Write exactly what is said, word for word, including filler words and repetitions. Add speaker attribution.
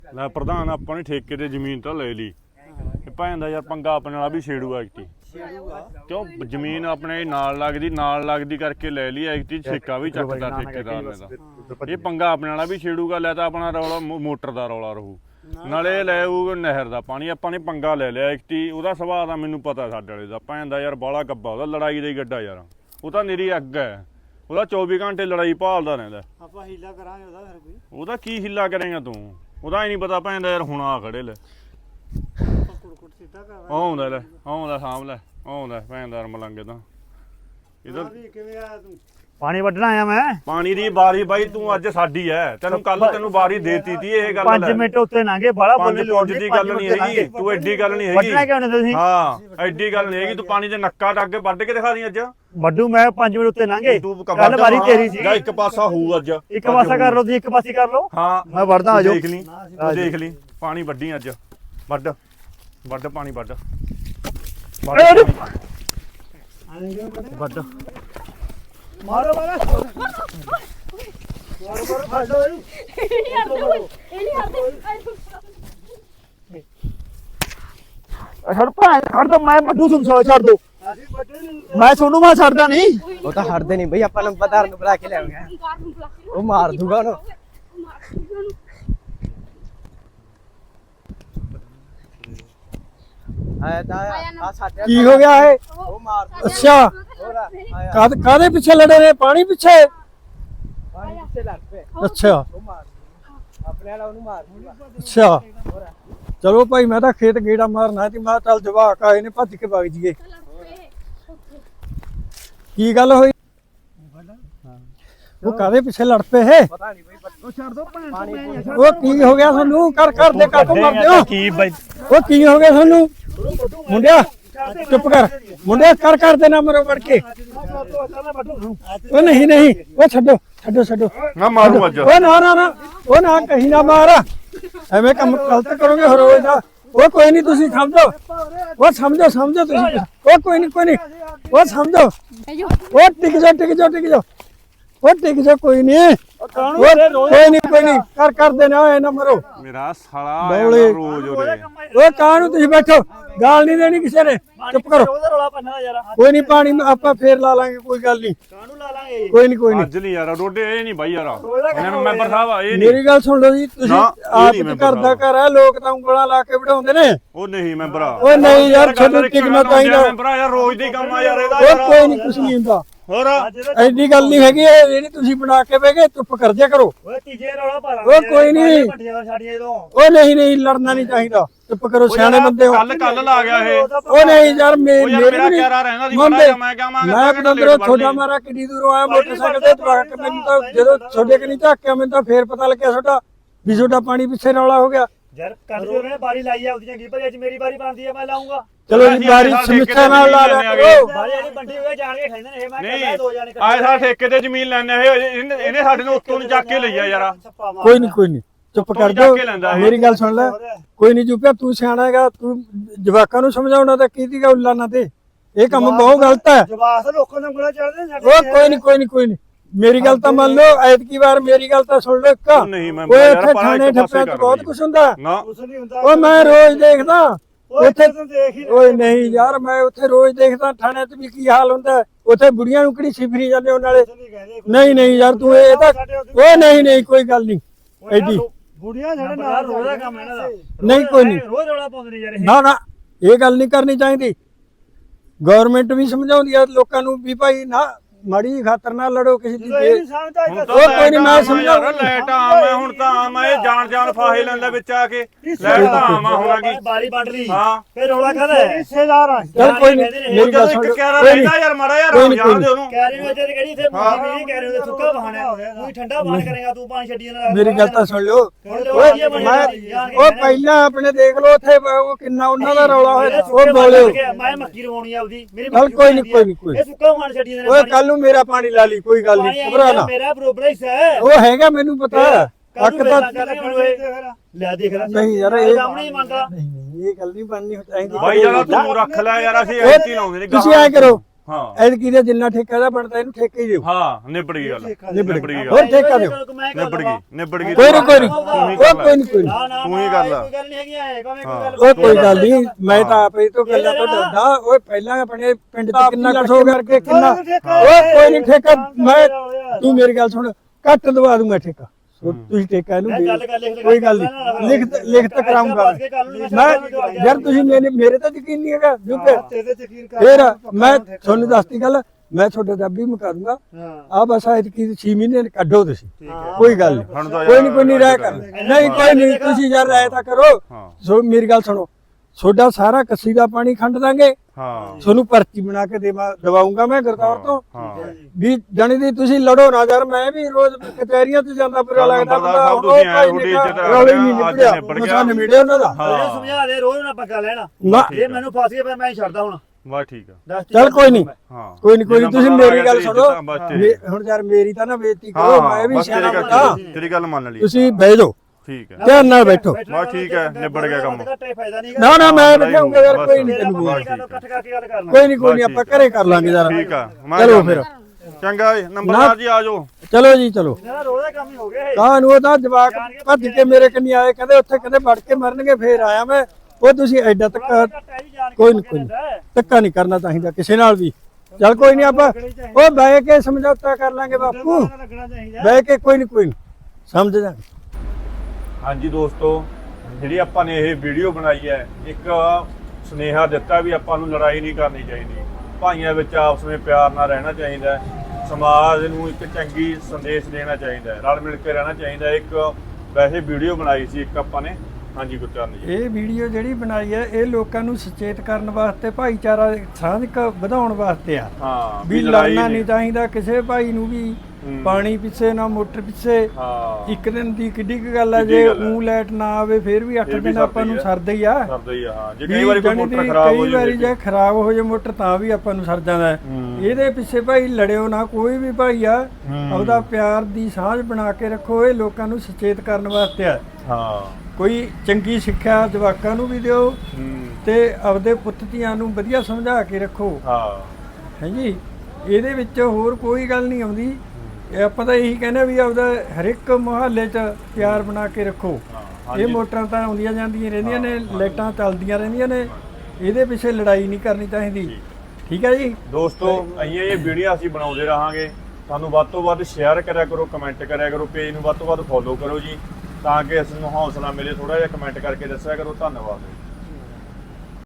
Speaker 1: ਲੈ ਪ੍ਰਧਾਨ ਆਪਾਂ ਨੇ ਠੇਕੇ ਤੇ ਜ਼ਮੀਨ ਤਾਂ ਲੈ ਲਈ ਇਹ ਭੈਣ ਦਾ ਯਾਰ ਪੰਗਾ ਆਪਣੇ ਨਾਲ ਵੀ ਛੇੜੂ ਐਕਟੀ ਕਿਉਂ ਜ਼ਮੀਨ ਆਪਣੇ ਨਾਲ ਲੱਗਦੀ ਨਾਲ ਲੱਗਦੀ ਕਰਕੇ ਲੈ ਲਈ ਐਕਟੀ ਠੇਕਾ ਵੀ ਚੱਕਦਾ ਠੇਕੇਦਾਰ ਨੇ ਤਾਂ ਇਹ ਪੰਗਾ ਆਪਣੇ ਨਾਲ ਵੀ ਛੇੜੂਗਾ ਲੈ ਤਾਂ ਆਪਣਾ ਰੌਲਾ ਮੋਟਰ ਦਾ ਰੌਲਾ ਰਹੂ ਨਾਲੇ ਲੈ ਆਊ ਨਹਿਰ ਦਾ ਪਾਣੀ ਆਪਾਂ ਨੇ ਪੰਗਾ ਲੈ ਲਿਆ ਐਕਟੀ ਉਹਦਾ ਸੁਭਾਅ ਦਾ ਮੈਨੂੰ ਪਤਾ ਸਾਡੇ ਵਾਲੇ ਦਾ ਭੈਣ ਦਾ ਯਾਰ ਬਾਲਾ ਗੱਬਾ ਉਹਦਾ ਲੜਾਈ ਦਾ ਹੀ ਗੱਡਾ ਯਾਰ ਉਹ ਤਾਂ ਨਿਰੀ ਅੱਗ ਹੈ ਉਹਦਾ ਚੌਵੀ ਘੰਟੇ ਲੜਾਈ ਭਾਲਦਾ ਰਹਿੰਦਾ
Speaker 2: ਆਪਾਂ ਹੀਲਾ ਕਰਾਂਗੇ ਉਹਦਾ ਫਿਰ ਵੀ
Speaker 1: ਉਹਦਾ ਕੀ ਹਿੱਲਾ ਕਰੇਗਾ ਤੂੰ ਉਹਦਾ ਹੀ ਨਹੀਂ ਪਤਾ ਭੈਣ ਦਾ ਯਾਰ ਹੁਣ ਆ ਖੜੇ ਲੈ
Speaker 2: ਕੁੜਕੁੜ ਸਿੱਧਾ ਕਰ
Speaker 1: ਆਉਂਦਾ ਲੈ ਆਉਂਦਾ ਸਾਂਭ ਲੈ ਆਉਂਦਾ ਭੈਣ ਦਾ ਮਲੰਗੇ ਤਾਂ ਇਹਦਾ
Speaker 2: ਕਿਵੇਂ ਆ ਤੂੰ
Speaker 3: ਪਾਣੀ ਵੱਢਣਾ ਆਇਆ ਮੈਂ
Speaker 1: ਪਾਣੀ ਦੀ ਬਾਰੀ ਬਾਈ ਤੂੰ ਅੱਜ ਸਾਡੀ ਐ ਤੈਨੂੰ ਕੱਲ ਤੈਨੂੰ ਬਾਰੀ ਦੇਤੀ ਤੀ ਇਹ ਗੱਲ
Speaker 3: ਪੰਜ ਮਿੰਟ ਉੱਤੇ ਲੰਘੇ ਬੜਾ
Speaker 1: ਪੰਜ ਪੰਜ ਦੀ ਗੱਲ ਨਹੀਂ ਹੈਗੀ ਤੂੰ ਐਡੀ ਗੱਲ ਨਹੀਂ ਹੈਗੀ
Speaker 3: ਵੱਢਣਾ ਕਿਉਂ ਨਹੀਂ ਤੁਸੀਂ
Speaker 1: ਹਾਂ ਐਡੀ ਗੱਲ ਨਹੀਂ ਹੈਗੀ ਤੂੰ ਪਾਣੀ ਦੇ ਨੱਕਾ ਟੱਗ ਕੇ ਵੱਢ ਕੇ ਦਿਖਾ ਦੀ ਅੱਜ
Speaker 3: ਵੱਡੂ ਮੈਂ ਪੰਜ ਮਿੰਟ ਉੱਤੇ ਲੰਘੇ
Speaker 1: ਤੂੰ
Speaker 3: ਕੱਲ ਵਾਰੀ ਤੇਰੀ ਸੀ
Speaker 1: ਇੱਕ ਪਾਸਾ ਹੋਊ ਅੱਜ
Speaker 3: ਇੱਕ ਪਾਸਾ ਕਰ ਲਓ ਤੁਸੀਂ ਇੱਕ ਪਾਸੇ ਕਰ ਲਓ
Speaker 1: ਹਾਂ
Speaker 3: ਮੈਂ ਵੜਦਾ ਆ ਜਾਓ
Speaker 1: ਦੇਖ ਲਈ ਤੂੰ ਦੇਖ ਲਈ ਪਾਣੀ ਵੱਢੀ ਅੱਜ ਵੱਢ ਵੱਢ ਪਾਣੀ ਵੱਢ ਵੱਢ
Speaker 3: ਮਾਰੋ ਮਾਰੋ ਮਾਰੋ ਮਾਰੋ ਫੜ ਲਓ
Speaker 4: ਇਹ ਨਹੀਂ ਹਟਦੇ ਇਹ ਨਹੀਂ ਹਟਦੇ
Speaker 3: ਛੱਡ ਭਾਂ ਛੱਡ ਦੋ ਮੈਂ ਵੱਡੂ ਸੁਣ ਸੋ ਛੱਡ ਦੋ ਮੈਂ ਸੋਨੂੰ ਮੈਂ ਛੱਡਦਾ ਨਹੀਂ
Speaker 5: ਉਹ ਤਾਂ ਹਟਦੇ ਨਹੀਂ ਬਈ ਆਪਾਂ ਨੰਬਰਦਾਰ ਨੂੰ ਬੁਲਾ ਕੇ ਲਿਆਵਾਂਗੇ ਉਹ ਮਾਰ ਦੂਗਾ ਉਹਨੂੰ ਆਇਆ ਤਾਂ ਆ ਸਾਡੇ
Speaker 3: ਕੀ ਹੋ ਗਿਆ ਇਹ
Speaker 5: ਉਹ ਮਾਰ
Speaker 3: ਅੱਛਾ ਕਾਦ ਕਾਦੇ ਪਿੱਛੇ ਲੜੇ ਨੇ ਪਾਣੀ ਪਿੱਛੇ
Speaker 5: ਪਾਣੀ ਪਿੱਛੇ ਲੱਗ ਪਏ
Speaker 3: ਅੱਛਾ
Speaker 5: ਉਹ ਮਾਰ ਆਪਣੇ ਵਾਲਾ ਉਹਨੂੰ ਮਾਰ ਦੂਗਾ
Speaker 3: ਅੱਛਾ ਚਲੋ ਭਾਈ ਮੈਂ ਤਾਂ ਖੇਤ ਗੇੜਾ ਮਾਰਨਾ ਤੇ ਮੈਂ ਚੱਲ ਜਵਾਕ ਆਏ ਨੇ ਭੱਜ ਕੇ ਵਗ ਜੀਏ ਕੀ ਗੱਲ ਹੋਈ ਉਹ ਕਾਦੇ ਪਿੱਛੇ ਲੜ ਪਏ ਹੈ
Speaker 5: ਪਤਾ ਨਹੀਂ ਬਈ
Speaker 3: ਉਹ ਛੱਡ ਦੋ ਪਾਣੀ ਉਹ ਕੀ ਹੋ ਗਿਆ ਤੁਹਾਨੂੰ ਕਰ ਕਰ ਦੇ ਕਾਕੂ ਮਰਦੇ ਹੋ
Speaker 1: ਕੀ ਬਾਈ
Speaker 3: ਉਹ ਕੀ ਹੋ ਗਿਆ ਤੁਹਾਨੂੰ ਮੁੰਡਿਆ ਚੁੱਪ ਕਰ ਮੁੰਡਿਆ ਕਰ ਕਰ ਦੇ ਨਾ ਮਰੋ ਵੜ ਕੇ ਉਹ ਨਹੀਂ ਨਹੀਂ ਉਹ ਛੱਡੋ ਛੱਡੋ ਛੱਡੋ
Speaker 1: ਨਾ ਮਾਰੂ ਅੱਜ
Speaker 3: ਉਹ ਨਾ ਨਾ ਨਾ ਉਹ ਨਾ ਕਹੀਂ ਨਾ ਮਾਰ ਐਵੇਂ ਕੰਮ ਗਲਤ ਕਰੋਗੇ ਹਰ ਰੋਜ਼ ਦਾ ਉਹ ਕੋਈ ਨਹੀਂ ਤੁਸੀਂ ਸਮਝੋ ਉਹ ਸਮਝੋ ਸਮਝੋ ਤੁਸੀਂ ਉਹ ਕੋਈ ਨਹੀਂ ਕੋਈ ਨਹੀਂ ਉਹ ਸਮਝੋ ਉਹ ਟਿਕ ਜਾ ਟਿਕ ਜਾ ਟਿਕ ਜਾ ਉਹ ਟਿਕ ਜਾ ਕੋਈ ਨਹੀਂ ਕੋਈ ਨਹੀਂ ਕੋਈ ਨਹੀਂ ਕਰ ਕਰ ਦੇਣਾ ਹੋਏ ਨਾ ਮਰੋ
Speaker 1: ਮੇਰਾ ਸਾਲਾ ਰੋਜ਼ ਉਰੇ
Speaker 3: ਉਹ ਕਾਹਨੂੰ ਤੁਸੀਂ ਬੈਠੋ ਗਾਲ ਨਹੀਂ ਦੇਣੀ ਕਿਸੇ ਨੇ ਚੁੱਪ ਕਰੋ
Speaker 2: ਰੌਲਾ ਪੰਨਾ ਯਾਰ
Speaker 3: ਕੋਈ ਨਹੀਂ ਪਾਣੀ ਆਪਾਂ ਫੇਰ ਲਾ ਲਾਂਗੇ ਕੋਈ ਗੱਲ ਨਹੀਂ
Speaker 2: ਕਾਹਨੂੰ ਲਾ ਲਾਂਗੇ
Speaker 3: ਕੋਈ ਨਹੀਂ ਕੋਈ ਨਹੀਂ
Speaker 1: ਅੱਜ ਨਹੀਂ ਯਾਰ ਰੋਡੇ ਇਹ ਨਹੀਂ ਬਾਈ ਯਾਰ ਇਹਨਾਂ ਨੂੰ ਮੈਂਬਰ ਸਾਹਿਬ ਇਹ ਨਹੀਂ
Speaker 3: ਮੇਰੀ ਗੱਲ ਸੁਣ ਲਓ ਜੀ ਤੁਸੀਂ
Speaker 1: ਨਾ, ਇਹ
Speaker 3: ਆਪ
Speaker 1: ਨਹੀਂ
Speaker 3: ਤੇ
Speaker 1: ਮੈਂਬਰ
Speaker 3: ਕਰਦਾ ਕਰ ਆ ਲੋਕ ਤਾਂ ਉਂਗਲਾਂ ਲਾ ਕੇ ਬਿਠਾਉਂਦੇ ਨੇ
Speaker 1: ਉਹ ਨਹੀਂ ਮੈਂਬਰਾ
Speaker 3: ਓਏ ਨਹੀਂ ਯਾਰ ਛੱਡੋ ਟਿਕਣਾ ਚਾਹੀਦਾ
Speaker 1: ਮੈਂਬਰਾ ਯਾਰ ਰੋਜ਼ ਦੀ ਕੰਮ ਆ ਯਾਰ ਇਹਦਾ
Speaker 3: ਉਹ ਕੋਈ ਨਹੀਂ ਕੁਛ ਨਹੀਂ ਹੁੰਦਾ
Speaker 1: ਹੋਰ
Speaker 3: ਐਡੀ ਗੱਲ ਨਹੀਂ ਹੈਗੀ ਇਹ ਜਿਹੜੀ ਤੁਸੀਂ ਬਣਾ ਕੇ ਬਹਿ ਗਏ ਚੁੱਪ ਕਰ ਜਾ ਕਰੋ
Speaker 2: ਓਏ ਤੀਜੇ ਰੌਲਾ ਪਾ ਲਾ
Speaker 3: ਉਹ ਕੋਈ ਨਹੀਂ
Speaker 2: ਵੱਡੀਆਂ ਸਾਡੀਆਂ ਜਦੋਂ
Speaker 3: ਉਹ ਨਹੀਂ ਨਹੀਂ ਲੜਨਾ ਨਹੀਂ ਚਾਹੀਦਾ ਚੁੱਪ ਕਰੋ ਸਿਆਣੇ ਬੰਦੇ ਹੋ
Speaker 1: ਕੱਲ ਕੱਲ ਲਾ ਗਿਆ ਇਹ
Speaker 3: ਉਹ ਨਹੀਂ ਯਾਰ ਮੇ-
Speaker 1: ਉਹ ਯਾਰ
Speaker 3: ਮੇਰੀ
Speaker 1: ਮੇਰਾ
Speaker 3: ਵੀ
Speaker 1: ਕਿਹੜਾ ਰਹਿੰਦਾ ਸੀ
Speaker 3: ਮੰਨਦੇ।
Speaker 1: ਬੜਾ ਮੈਂ ਕਹਾਂਗਾ
Speaker 3: ਮੈਂ ਪਤੰਦਰੋਂ ਤੁਹਾਡਾ ਮਾਰਾ ਕਿੰਨੀ ਦੂਰੋਂ ਆਇਆ ਮੋਟਰਸਾਈਕਲ ਤੇ ਦਵਾ ਕੇ ਮੈਨੂੰ ਤਾਂ ਜਦੋਂ ਤੁਹਾਡੇ ਕਿ ਨਹੀਂ ਝਾਕਿਆ ਮੈਨੂੰ ਤਾਂ ਫੇਰ ਪਤਾ ਲੱਗਿਆ ਤੁਹਾਡਾ ਵੀ ਤੁਹਾਡਾ ਪਾਣੀ ਪਿੱਛੇ ਰੌਲਾ ਹੋ ਗਿਆ
Speaker 2: ਯਾਰ ਕਰ ਦਿਓ ਉਹਨੇ ਬਾਰੀ ਲਾਈ ਆ ਉਹਦੀ ਚੰਗੀ ਪਰ ਅੱਜ ਮੇਰੀ ਬਾਰੀ ਬਣਦੀ ਆ ਮੈਂ ਲਾਉਂਗਾ
Speaker 3: ਚਲੋ ਜੀ ਬਾਰੀ ਸਮੀਖਿਆ ਨਾਲ ਲਾ ਲਿਆ ਕਰੋ
Speaker 2: ਬਾਰੀ ਵਾਲੀ ਬੰਡੀ ਹੋਏ ਜਾਣ ਕੇ ਖਾਂਦੇ ਨੇ ਇਹ ਮੈਂ
Speaker 1: ਨਹੀਂ
Speaker 2: ਕਹਿੰਦਾ ਦੋ ਜਾਣੇ
Speaker 1: ਆਏ ਸਾਡਾ ਠੇਕੇ ਤੇ ਜ਼ਮੀਨ ਲੈਣੇ ਇਹ ਇਹਨੇ ਇਹਨੇ ਸਾਡੇ ਨੂੰ ਉੱਤੋਂ ਨੂੰ ਚੱਕ ਕੇ ਲਈਆ ਯਾਰ
Speaker 3: ਕੋਈ ਨਹੀਂ ਕੋਈ ਨਹੀਂ ਚੁੱਪ ਕਰ
Speaker 1: ਚੱਕ ਕੇ ਲੈਂਦਾ
Speaker 3: ਦਿਓ
Speaker 1: ਇਹ।
Speaker 3: ਮੇਰੀ ਗੱਲ ਸੁਣ ਲੈ ਕੋਈ ਨਹੀਂ ਚੁੱਪਿਆ ਤੂੰ ਸਿਆਣਾ ਹੈਗਾ ਤੂੰ ਜਵਾਕਾਂ ਨੂੰ ਸਮਝਾਉਣਾ ਤਾਂ ਕੀਤੀ ਗੱਲ ਉਲਾਨਾ ਤੇ ਇਹ ਕੰਮ ਬਹੁਤ ਗਲਤ ਹੈ
Speaker 2: ਜਵਾਸ ਲੋਕਾਂ ਨੂੰ ਉਂਗਲਾਂ ਚੜਦੇ ਨੇ
Speaker 3: ਉਹ ਕੋਈ ਨਹੀਂ ਕੋਈ ਨਹੀਂ ਕੋਈ ਨਹੀਂ ਮੇਰੀ ਗੱਲ ਤਾਂ ਮੰਨ ਲਓ ਐਤਕੀ ਵਾਰ ਮੇਰੀ ਗੱਲ ਤਾਂ ਸੁਣ ਲਓ ਇੱਕ
Speaker 1: ਨਹੀਂ ਮੈਂ
Speaker 3: ਓਏ
Speaker 1: ਯਾਰ
Speaker 3: ਇੱਥੇ
Speaker 1: ਪਰਾਂ
Speaker 3: ਥਾਣੇ
Speaker 1: ਇੱਕ ਪਾਸੇ
Speaker 3: ਠੱਪਿਆਂ
Speaker 1: ਕਰ
Speaker 3: ਚ ਬਹੁਤ ਕੁਛ ਹੁੰਦਾ
Speaker 1: ਨਾ
Speaker 2: ਕੁਛ ਨਹੀਂ ਹੁੰਦਾ
Speaker 3: ਓਏ ਮੈਂ ਰੋਜ਼ ਦੇਖਦਾ
Speaker 2: ਉੱਥੇ ਤੂੰ ਦੇਖ ਹੀ
Speaker 3: ਓਏ ਨਹੀਂ ਯਾਰ ਮੈਂ ਉੱਥੇ ਰੋਜ਼ ਦੇਖਦਾ ਥਾਣੇ ਤੇ ਵੀ ਕੀ ਹਾਲ ਹੁੰਦਾ ਉੱਥੇ ਬੁੜੀਆਂ ਨੂੰ ਕਿਹੜੀ ਸਿਫਰੀ ਜਾਂਦੇ ਉਹਨਾਂ ਨਾਲੇ
Speaker 2: ਨਹੀਂ ਕਹਿੰਦੇ
Speaker 3: ਨਹੀਂ ਨਹੀਂ ਯਾਰ ਤੂੰ ਇਹ ਤਾਂ ਓਏ ਨਹੀਂ ਨਹੀਂ ਕੋਈ ਗੱਲ ਨਹੀਂ ਐਡੀ
Speaker 2: ਬੁੜੀਆਂ ਸਾਡੇ ਨਾਲ ਰੋਜ਼ ਦਾ ਕੰਮ ਇਹਨਾਂ ਦਾ
Speaker 3: ਨਹੀਂ ਕੋਈ ਨਹੀਂ
Speaker 2: ਰੋਜ਼ ਰੌਲਾ ਪਾਉਂਦੇ ਨੇ ਯਾਰ ਇਹ
Speaker 3: ਨਾ ਨਾ ਇਹ ਗੱਲ ਨਹੀਂ ਕਰਨੀ ਚਾਹੀਦੀ ਗਵਰਨਮੈਂਟ ਵੀ ਸਮਝਾਉਂਦੀ ਆ ਲੋਕਾਂ ਨੂੰ ਵੀ ਭਾਈ ਨਾ ਮਾੜੀ ਖਾਤਰ ਨਾਲ ਲੜੋ ਕਿਸੇ ਦੀ
Speaker 2: ਇਹ ਨਹੀਂ ਸਮਝਦਾ
Speaker 1: ਹੁਣ
Speaker 2: ਇਹ
Speaker 1: ਤਾਂ
Speaker 3: ਉਹ ਕੋਈ ਨੀ, ਮੈਂ
Speaker 1: ਯਾਰ
Speaker 3: ਸਮਝਾਊਂ।
Speaker 1: ਲਾਈਟ ਆਮ ਹੈ ਹੁਣ ਤਾਂ ਆਮ ਹੈ ਇਹ ਜਾਣ ਜਾਣ ਫਾਹੇ ਲੈਂਦਾ ਵਿੱਚ ਆ ਕੇ ਲਾਈਟ ਤਾਂ ਆਮ ਆ ਹੁਣ ਕੀ
Speaker 2: ਬਾਰੀ ਵੱਢ ਲਈ
Speaker 1: ਹਾਂ
Speaker 2: ਫੇਰ ਰੌਲਾ ਖਾਦਾ ਹਿੱਸੇਦਾਰ ਆ
Speaker 3: ਚੱਲ ਕੋਈ ਨਹੀਂ ਮੇਰੀ ਗੱਲ
Speaker 1: ਇੱਕ
Speaker 3: ਸੁਣ
Speaker 1: ਕਹਿਰਾ
Speaker 3: ਕੋਈ
Speaker 1: ਰਹਿੰਦਾ
Speaker 3: ਨਹੀਂ
Speaker 1: ਯਾਰ ਮਾੜਾ ਯਾਰ
Speaker 3: ਕੋਈ ਨੀ,
Speaker 1: ਜਾਣ ਦੇ ਉਹਨੂੰ
Speaker 2: ਕਹਿ ਰਹੇ ਨੇ ਇੱਥੇ ਕਿਹੜੀ ਇੱਥੇ ਮੁੰਡੀ ਨਹੀਂ ਕਹਿ ਰਹੇ ਸੁੱਕਾ ਬਹਾਨਾ ਤੂੰ ਠੰਡਾ ਬਾਣ ਕਰੇਗਾ ਤੂੰ ਪਾਣੀ ਛੱਡੀ ਜਾਂਦਾ
Speaker 3: ਮੇਰੀ ਗੱਲ ਤਾਂ ਸੁਣ ਲਿਓ ਓਏ ਮੈਂ ਉਹ ਪਹਿਲਾਂ ਆਪਣੇ ਦੇਖ ਲਓ ਉੱਥੇ ਉਹ ਕਿੰਨਾ ਉਹਨਾਂ ਦਾ ਰੌਲਾ ਹੋਇਆ ਉਹ ਬੋਲਿਓ
Speaker 2: ਮੈਂ ਮੱਕੀ ਰਵਾਉਣੀ ਆ ਉਹਦੀ ਮੇਰੀ
Speaker 3: ਚੱਲ ਕੋਈ ਨਹੀਂ ਕੋਈ ਨਹੀਂ ਕੋਈ
Speaker 2: ਇਹ ਸੁੱਕਾ ਬਹਾਨਾ ਛੱਡੀ ਜਾਂਦਾ
Speaker 3: ਓਏ ਕੱਲ ਨੂੰ ਮੇਰਾ ਪਾਣੀ ਲਾ ਲਈ ਕੋਈ ਗੱਲ ਨਹੀਂ ਘਬਰਾ ਨਾ
Speaker 2: ਮੇਰਾ ਬਰੋਬਰ ਹਿੱਸਾ ਹੈ
Speaker 3: ਉਹ ਹੈਗਾ ਮੈਨੂੰ ਪਤਾ ਹੱਕ ਤਾਂ
Speaker 2: ਲੈ ਦੇਖ ਲੈ
Speaker 3: ਨਹੀਂ ਯਾਰ ਇਹ
Speaker 2: ਸਾਹਮਣੇ ਹੀ ਮੰਨਦਾ
Speaker 3: ਨਹੀਂ ਨਹੀਂ ਇਹ ਗੱਲ ਨਹੀਂ ਬਣਨੀ ਚਾਹੀਦੀ
Speaker 1: ਬਾਈ ਯਾਰ ਤੂੰ ਰੱਖ ਲੈ ਯਾਰ ਅਸੀਂ ਐਂਟੀ ਲਾਉਂਦੇ ਨੇ
Speaker 3: ਤੁਸੀਂ ਐ ਕਰੋ
Speaker 1: ਹਾਂ
Speaker 3: ਐਤਕੀ ਦਾ ਜਿੰਨਾ ਠੇਕਾ ਦਾ ਬਣਦਾ ਇਹਨੂੰ ਠੇਕੇ ਹੀ ਦਿਓ।
Speaker 1: ਹਾਂ ਨਿਬੜ ਗਈ ਗੱਲ
Speaker 3: ਨਿਬੜ
Speaker 1: ਨਿਬੜ ਗਈ
Speaker 3: ਗਈ
Speaker 1: ਗੱਲ
Speaker 3: ਹੋਰ ਠੇਕਾ ਦਿਓ।
Speaker 1: ਨਿਬੜ ਗਈ ਨਿਬੜ ਗਈ
Speaker 3: ਕੋਈ ਨੀ ਕੋਈ ਨੀ
Speaker 1: ਤੂੰ ਹੀ
Speaker 3: ਉਹ
Speaker 1: ਕਰ ਲੈ।
Speaker 3: ਕੋਈ ਨੀ ਕੋਈ ਨੀ
Speaker 2: ਨਾ ਨਾ
Speaker 1: ਤੂੰ ਹੀ ਕਰ ਲੈ।
Speaker 2: ਕੋਈ ਗੱਲ ਨਹੀਂ ਹੈਗੀ ਐ ਕੋਈ
Speaker 1: ਹਾਂ।
Speaker 2: ਗੱਲ
Speaker 3: ਉਹ ਕੋਈ ਗੱਲ ਨਹੀਂ ਮੈਂ ਤਾਂ ਆਪੇ ਤੋਂ ਗੱਲਾਂ ਤੋਂ ਡਰਦਾ। ਓਏ ਪਹਿਲਾਂ ਆਪਣੇ ਪਿੰਡ 'ਚ ਕਿੰਨਾ ਕੁਛ ਹੋ ਕਰਕੇ ਕਿੰਨਾ ਓਏ ਕੋਈ ਨਹੀਂ ਠੇਕਾ ਮੈਂ ਤੂੰ ਮੇਰੀ ਗੱਲ ਸੁਣ ਘੱਟ ਦਵਾ ਦੂੰ ਮੈਂ ਠੇਕਾ ਸੋ ਤੁਸੀਂ ਠੇਕਾ ਇਹਨੂੰ ਦੇ
Speaker 2: ਗੱਲ ਕਰ ਲਿਖ
Speaker 3: ਕੋਈ ਗੱਲ ਨਹੀਂ ਲਿਖਤ ਲਿਖਤ ਕਰਾਉਂਗਾ ਮੈਂ ਯਾਰ ਤੁਸੀਂ ਮੇਰੇ ਮੇਰੇ ਤਾਂ ਯਕੀਨ ਨਹੀਂ ਹੈਗਾ ਕਿਉਂਕਿ
Speaker 2: ਤੇਰੇ ਤੇ ਯਕੀਨ ਕਰ
Speaker 3: ਫਿਰ ਮੈਂ ਤੁਹਾਨੂੰ ਦੱਸਤੀ ਗੱਲ ਮੈਂ ਤੁਹਾਡਾ ਜੱਬ ਵੀ ਮੁਕਾ ਦੂੰਗਾ
Speaker 2: ਹਾਂ
Speaker 3: ਆ ਬਸ ਐਤਕੀ ਛੇ ਮਹੀਨੇ ਕੱਢੋ ਤੁਸੀਂ ਕੋਈ ਗੱਲ ਨਹੀਂ
Speaker 1: ਹੁਣ ਤਾਂ
Speaker 3: ਕੋਈ ਨਹੀਂ ਕੋਈ ਨਹੀਂ ਰਹਿ ਕਰ ਨਹੀਂ ਕੋਈ ਨਹੀਂ ਤੁਸੀਂ ਯਾਰ ਰਹਿ ਤਾਂ ਕਰੋ
Speaker 1: ਹਾਂ
Speaker 3: ਸੋ ਮੇਰੀ ਗੱਲ ਸੁਣੋ ਤੁਹਾਡਾ ਸਾਰਾ ਕੱਸੀ ਦਾ ਪਾਣੀ ਖੰਡ ਦਾਂਗੇ
Speaker 1: ਹਾਂ
Speaker 3: ਤੁਹਾਨੂੰ ਪਰਚੀ ਬਣਾ ਕੇ ਦੇਵਾ ਦਵਾਉਂਗਾ ਮੈਂ ਗੁਰਦੌਰ ਤੋਂ
Speaker 1: ਹਾਂ
Speaker 3: ਵੀ ਜਾਣੀ ਦੀ ਤੁਸੀਂ ਲੜੋ ਨਾ ਯਾਰ ਮੈਂ ਵੀ ਰੋਜ਼ ਕਚਹਿਰੀਆਂ ਤੇ ਜਾਂਦਾ ਬੁਰਾ ਲੱਗਦਾ
Speaker 1: ਨੰਬਰਦਾਰ
Speaker 3: ਬੰਦਾ
Speaker 1: ਸਾਹਿਬ ਤੁਸੀਂ ਆਏ
Speaker 3: ਉਹ
Speaker 1: ਤੁਹਾਡੀ
Speaker 3: ਭਾਈ
Speaker 1: ਇੱਜ਼ਤ
Speaker 3: ਰੌਲੇ ਨਹੀਂ
Speaker 1: ਅੱਜ
Speaker 3: ਨਿਬੜਿਆ
Speaker 1: ਨਿਬੜ ਗਿਆ।
Speaker 3: ਮਸਾਂ ਨਿਬੜਿਆ ਉਹਨਾਂ ਦਾ
Speaker 2: ਇਹਨੂੰ ਸਮਝਾ ਦੇ ਰੋਜ਼ ਨਾ ਪੰਗਾ ਲੈਣਾ
Speaker 3: ਨਾ
Speaker 2: ਜੇ ਮੈਨੂੰ ਫਸ ਗਿਆ ਫਿਰ ਮੈਂ ਹੀ ਛੱਡਦਾ ਹੁਣ
Speaker 1: ਬਸ ਠੀਕ ਆ
Speaker 2: ਦੱਸ
Speaker 3: ਚੱਲ ਕੋਈ ਨਹੀਂ
Speaker 1: ਹਾਂ
Speaker 3: ਕੋਈ ਨਹੀਂ ਕੋਈ ਨਹੀਂ ਤੁਸੀਂ ਮੇਰੀ ਗੱਲ ਸੁਣੋ
Speaker 1: ਬਸ ਤੇਰੀ।
Speaker 3: ਮੇ- ਹੁਣ ਯਾਰ ਮੇਰੀ ਤਾਂ ਨਾ ਬੇਇੱਜ਼ਤੀ
Speaker 1: ਹਾਂ
Speaker 3: ਕਰੋ ਮੈਂ ਵੀ
Speaker 1: ਬਸ ਤੇਰੀ
Speaker 3: ਸਿਆਣਾ
Speaker 1: ਗੱਲ
Speaker 3: ਬੰਦਾ
Speaker 1: ਤੇਰੀ ਗੱਲ ਮੰਨ ਲਈ
Speaker 3: ਤੁਸੀਂ ਬਹਿ ਜਾਓ
Speaker 1: ਠੀਕ ਹੈ
Speaker 3: ਧਿਆਨ ਨਾਲ ਬੈਠੋ
Speaker 1: ਬਸ ਠੀਕ ਹੈ, ਨਿਬੜ ਗਿਆ ਕੰਮ।
Speaker 2: ਘੱਟੇ ਫਾਇਦਾ ਨਹੀਂ
Speaker 3: ਨਾ ਨਾ ਮੈਂ ਬਿਠਾਉਂਗਾ ਯਾਰ
Speaker 1: ਬਸ,
Speaker 3: ਕੋਈ ਨਹੀਂ
Speaker 1: ਬਸ,
Speaker 3: ਤੈਨੂੰ
Speaker 1: ਬਸ।
Speaker 3: ਬੋਲ
Speaker 2: ਇਕੱਠ ਕਰਕੇ ਗੱਲ ਕਰਨਾ
Speaker 3: ਕੋਈ ਨਹੀਂ ਕੋਈ ਨਹੀਂ ਆਪਾਂ ਘਰੇ ਕਰ ਲਾਂਗੇ ਯਾਰ
Speaker 1: ਠੀਕ ਆ ਮੈਂ
Speaker 3: ਚਲੋ
Speaker 1: ਜਾਣਾ।
Speaker 3: ਫਿਰ
Speaker 1: ਚੰਗਾ ਏ, ਨੰਬਰਦਾਰ ਜੀ ਆ ਜਾਓ
Speaker 3: ਚਲੋ ਜੀ ਚਲੋ
Speaker 2: ਇਹਦਾ ਰੋਜ਼ ਦਾ ਕੰਮ ਹੀ ਹੋ ਗਿਆ ਇਹ
Speaker 3: ਕਾਹ ਨੂੰ ਉਹਦਾ ਜਵਾਕ ਭੱਜ ਕੇ ਮੇਰੇ ਕੰਨੀ ਆਏ ਕਹਿੰਦੇ ਉੱਥੇ ਕਹਿੰਦੇ ਵੜ ਕੇ ਮਰਨਗੇ ਫੇਰ ਆਇਆ ਮੈਂ ਉਹ ਤੁਸੀਂ ਐਡਾ ਤੱਕ
Speaker 2: ਘੱਟਾ ਵੀ ਜਾਣ
Speaker 3: ਕੋਈ ਨਹੀਂ ਕੋਈ ਨੀ, ਧੱਕਾ ਨਹੀਂ ਕਰਨਾ ਚਾਹੀਦਾ ਕਿਸੇ ਨਾਲ ਵੀ ਚੱਲ ਕੋਈ ਨਹੀਂ ਆਪਾਂ ਉਹ ਬਹਿ ਕੇ ਸਮਝੌਤਾ ਕਰ ਲਾਂਗੇ ਬਾਪੂ
Speaker 2: ਲੱਗਣਾ ਚਾਹੀਦਾ
Speaker 3: ਬਹਿ ਕੇ ਕੋਈ ਨਹੀਂ ਕੋਈ ਨਹੀਂ ਸਮਝ ਜਾਾਂਗੇ
Speaker 1: ਹਾਂਜੀ ਦੋਸਤੋ ਜਿਹੜੀ ਆਪਾਂ ਨੇ ਇਹ ਵੀਡੀਓ ਬਣਾਈ ਹੈ ਇੱਕ ਸੁਨੇਹਾ ਦਿੱਤਾ ਵੀ ਆਪਾਂ ਨੂੰ ਲੜਾਈ ਨਹੀਂ ਕਰਨੀ ਚਾਹੀਦੀ ਭਾਈਆਂ ਵਿੱਚ ਆਪਸ ਵਿੱਚ ਪਿਆਰ ਨਾਲ ਰਹਿਣਾ ਚਾਹੀਦਾ ਹੈ ਸਮਾਜ ਨੂੰ ਇੱਕ ਚੰਗੀ ਸੰਦੇਸ਼ ਦੇਣਾ ਚਾਹੀਦਾ ਹੈ ਰਲ ਮਿਲ ਕੇ ਰਹਿਣਾ ਚਾਹੀਦਾ ਹੈ ਇੱਕ ਵੈਸੇ ਵੀਡੀਓ ਬਣਾਈ ਸੀ ਇੱਕ ਆਪਾਂ ਨੇ ਹਾਂਜੀ ਗੁਰਚਰਨ ਜੀ
Speaker 3: ਇਹ ਵੀਡੀਓ ਜਿਹੜੀ ਬਣਾਈ ਹੈ ਇਹ ਲੋਕਾਂ ਨੂੰ ਸੁਚੇਤ ਕਰਨ ਵਾਸਤੇ ਭਾਈਚਾਰਾ ਸਾਂਝ ਕ ਵਧਾਉਣ ਵਾਸਤੇ ਆ
Speaker 1: ਹਾਂ
Speaker 3: ਵੀ
Speaker 1: ਲੜਾਈ
Speaker 3: ਲੜਨਾ ਨਹੀਂ ਚਾਹੀਦਾ ਕਿਸੇ ਭਾਈ ਨੂੰ ਵੀ
Speaker 1: ਹੂੰ।
Speaker 3: ਪਾਣੀ ਪਿੱਛੇ ਨਾ ਮੋਟਰ ਪਿੱਛੇ
Speaker 1: ਹਾਂ
Speaker 3: ਇੱਕ ਦਿਨ ਦੀ ਕਿੱਡੀ ਕੁ ਗੱਲ ਹੈ
Speaker 1: ਕਿੱਡੀ
Speaker 3: ਜੇ
Speaker 1: ਗੱਲ ਹੈ।
Speaker 3: ਊ ਲਾਈਟ ਨਾ ਆਵੇ ਫਿਰ ਵੀ ਅੱਠ
Speaker 1: ਫਿਰ ਵੀ
Speaker 3: ਦਿਨ ਆਪਾਂ ਨੂੰ
Speaker 1: ਸਰਦਾ ਹੀ
Speaker 3: ਸਰਦਾ ਹੀ ਆ
Speaker 1: ਸਰਦਾ ਹੀ ਆ ਹਾਂ ਜੇ
Speaker 3: ਵੀ
Speaker 1: ਕਈ ਵਾਰੀ ਕੋਈ
Speaker 3: ਜਾਣੀ
Speaker 1: ਮੋਟਰ
Speaker 3: ਦੀ
Speaker 1: ਖਰਾਬ ਹੋ
Speaker 3: ਕਈ ਵਾਰੀ
Speaker 1: ਜਾਵੇ
Speaker 3: ਜੇ ਖਰਾਬ ਹੋ ਜਾਏ ਮੋਟਰ ਤਾਂ ਵੀ ਆਪਾਂ ਨੂੰ ਸਰ ਜਾਂਦਾ ਹੈ।
Speaker 1: ਹੂੰ।
Speaker 3: ਇਹਦੇ ਪਿੱਛੇ ਭਾਈ ਲੜਿਓ ਨਾ ਕੋਈ ਵੀ ਭਾਈ ਆ
Speaker 1: ਹੂੰ।
Speaker 3: ਆਪਦਾ ਪਿਆਰ ਦੀ ਸਾਂਝ ਬਣਾ ਕੇ ਰੱਖੋ ਇਹ ਲੋਕਾਂ ਨੂੰ ਸੁਚੇਤ ਕਰਨ ਵਾਸਤੇ ਆ
Speaker 1: ਹਾਂ
Speaker 3: ਕੋਈ ਚੰਗੀ ਸਿੱਖਿਆ ਜਵਾਕਾਂ ਨੂੰ ਵੀ ਦਿਓ
Speaker 1: ਹੂੰ
Speaker 3: ਤੇ ਆਪਦੇ ਪੁੱਤ ਧੀਆਂ ਨੂੰ ਵਧੀਆ ਸਮਝਾ ਕੇ ਰੱਖੋ
Speaker 1: ਹਾਂ
Speaker 3: ਹਾਂਜੀ ਇਹਦੇ ਵਿੱਚ ਹੋਰ ਕੋਈ ਗੱਲ ਨਹੀਂ ਆਉਂਦੀ ਇਹ ਆਪਾਂ ਤਾਂ ਇਹੀ ਕਹਿੰਦੇ ਵੀ ਆਪਦਾ ਹਰ ਇੱਕ ਮੁਹੱਲੇ 'ਚ ਪਿਆਰ ਬਣਾ ਕੇ ਰੱਖੋ ਇਹ ਮੋਟਰਾਂ ਤਾਂ ਆਉਂਦੀਆਂ ਜਾਂਦੀਆਂ ਰਹਿੰਦੀਆਂ ਨੇ ਲਾਈਟਾਂ ਚੱਲਦੀਆਂ ਰਹਿੰਦੀਆਂ ਨੇ ਇਹਦੇ ਪਿੱਛੇ ਲੜਾਈ ਨਹੀਂ ਕਰਨੀ ਚਾਹੀਦੀ ਠੀਕ ਹੈ ਜੀ
Speaker 1: ਦੋਸਤੋ ਅਸੀਂ ਇਹ ਵੀਡੀਓ ਅਸੀਂ ਬਣਾਉਂਦੇ ਰਹਾਂਗੇ ਸਾਨੂੰ ਵੱਧ ਤੋਂ ਵੱਧ ਸ਼ੇਅਰ ਕਰਿਆ ਕਰੋ ਕਮੈਂਟ ਕਰਿਆ ਕਰੋ ਪੇਜ ਨੂੰ ਵੱਧ ਤੋਂ ਵੱਧ ਫੋਲੋ ਕਰੋ ਜੀ ਤਾਂ ਕਿ ਇਸ ਨੂੰ ਹੌਸਲਾ ਮਿਲੇ ਥੋੜਾ ਜਿਹਾ ਕਮੈਂਟ ਕਰਕੇ ਦੱਸਿਆ ਕਰੋ ਧੰਨਵਾਦ।